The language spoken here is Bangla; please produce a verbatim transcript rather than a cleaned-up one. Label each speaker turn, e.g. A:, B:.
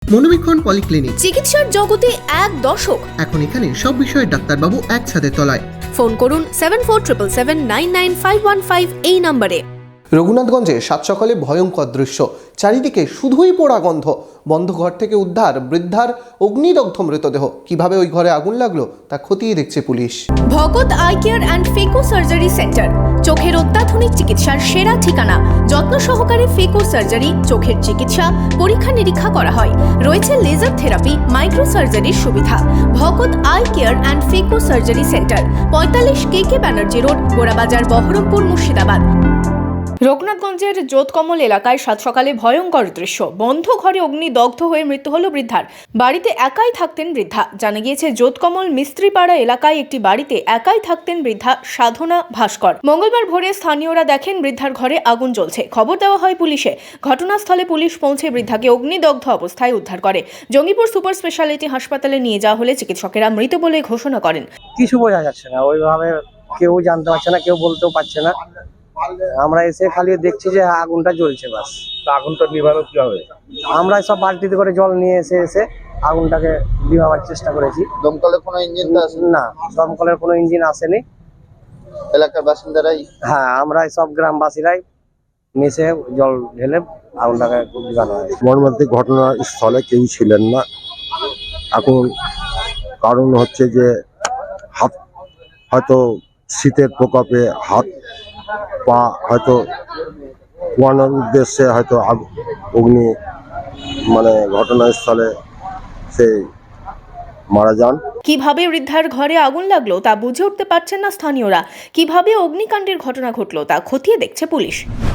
A: মনোবীক্ষণ পলিক্লিনিক,
B: চিকিৎসার জগতে এক দশক।
A: এখন এখানে সব বিষয়ে ডাক্তারবাবু একসাথে তলায়।
B: ফোন করুন seven four triple seven nine nine five one five এই নম্বরে।
A: রঘুনাথগঞ্জে সাত সকালে ভয়ঙ্কর দৃশ্য, চারিদিকে শুধুই পোড়া গন্ধ। বন্ধ ঘর থেকে উদ্ধার বৃদ্ধার অগ্নিদগ্ধ মৃতদেহ। কিভাবে ওই ঘরে আগুন লাগলো তা খতিয়ে দেখছে পুলিশ।
B: Bhagat eye care and phaco surgery centre, চোখের অত্যাধুনিক চিকিৎসার সেরা ঠিকানা। যত্ন সহকারে ফেকো সার্জারি, চোখের চিকিৎসা, পরীক্ষা নিরীক্ষা করা হয়। রয়েছে লেজার থেরাপি, মাইক্রো সার্জারির সুবিধা। Bhagat eye care and phaco surgery centre, পঁয়তাল্লিশ K K Banerjee road, Gorabazar, Berhampore, Murshidabad. রঘুনাথগঞ্জের জোতকমল এলাকায় সাত সকালে ভয়ঙ্কর দৃশ্য। বন্ধ ঘরে অগ্নিদগ্ধ হয়ে মৃত্যু হল বৃদ্ধার। বাড়িতে একাই থাকতেন বৃদ্ধা। জানা গিয়েছে জোতকমল মিস্ত্রিপাড়া এলাকায় একটি বাড়িতে একাই থাকতেন বৃদ্ধা সাধনা ভাস্কর। মঙ্গলবার ভোরে স্থানীয়রা দেখেন বৃদ্ধার ঘরে আগুন জ্বলছে। খবর দেওয়া হয় পুলিশে। ঘটনাস্থলে পুলিশ পৌঁছে বৃদ্ধাকে অগ্নিদগ্ধ অবস্থায় উদ্ধার করে। জঙ্গিপুর সুপার স্পেশালিটি হাসপাতালে নিয়ে যাওয়া হলে চিকিৎসকেরা মৃত বলে ঘোষণা করেন।
C: কিছু বোঝা যাচ্ছে না, ওইভাবে কেউ জানতে পারছে না, কেউ বলতেও পারছে না। আমরা এসে খালি দেখছি যে আগুনটা জ্বলছে, বাস।
D: আগুনটা নিভানো কি হবে?
C: আমরা সব বালতিতে করে জল নিয়ে এসে এসে আগুনটাকে নিভাবার চেষ্টা করেছি।
D: দমকলের কোনো ইঞ্জিন তো আসেনি?
C: না, দমকলের কোনো ইঞ্জিন আসেনি।
D: এলাকার বাসিন্দারাই?
C: হ্যাঁ, আমরা সব গ্রামবাসীরাই মিশে জল ঢেলে আগুনটাকে নিভানো হয়।
E: মর্মান্তিক ঘটনাস্থলে কেউ ছিলেন না। এখন কারণ হচ্ছে যে হাত হয়তো শীতের প্রকোপে হাত পা হয়তো পোয়ানোর উদ্দেশ্যে হয়তো অগ্নি মানে ঘটনাস্থলে সে মারা যান।
B: কিভাবে বৃদ্ধার ঘরে আগুন লাগলো তা বুঝে উঠতে পারছেন না স্থানীয়রা। কিভাবে অগ্নিকাণ্ডের ঘটনা ঘটলো তা খতিয়ে দেখছে পুলিশ।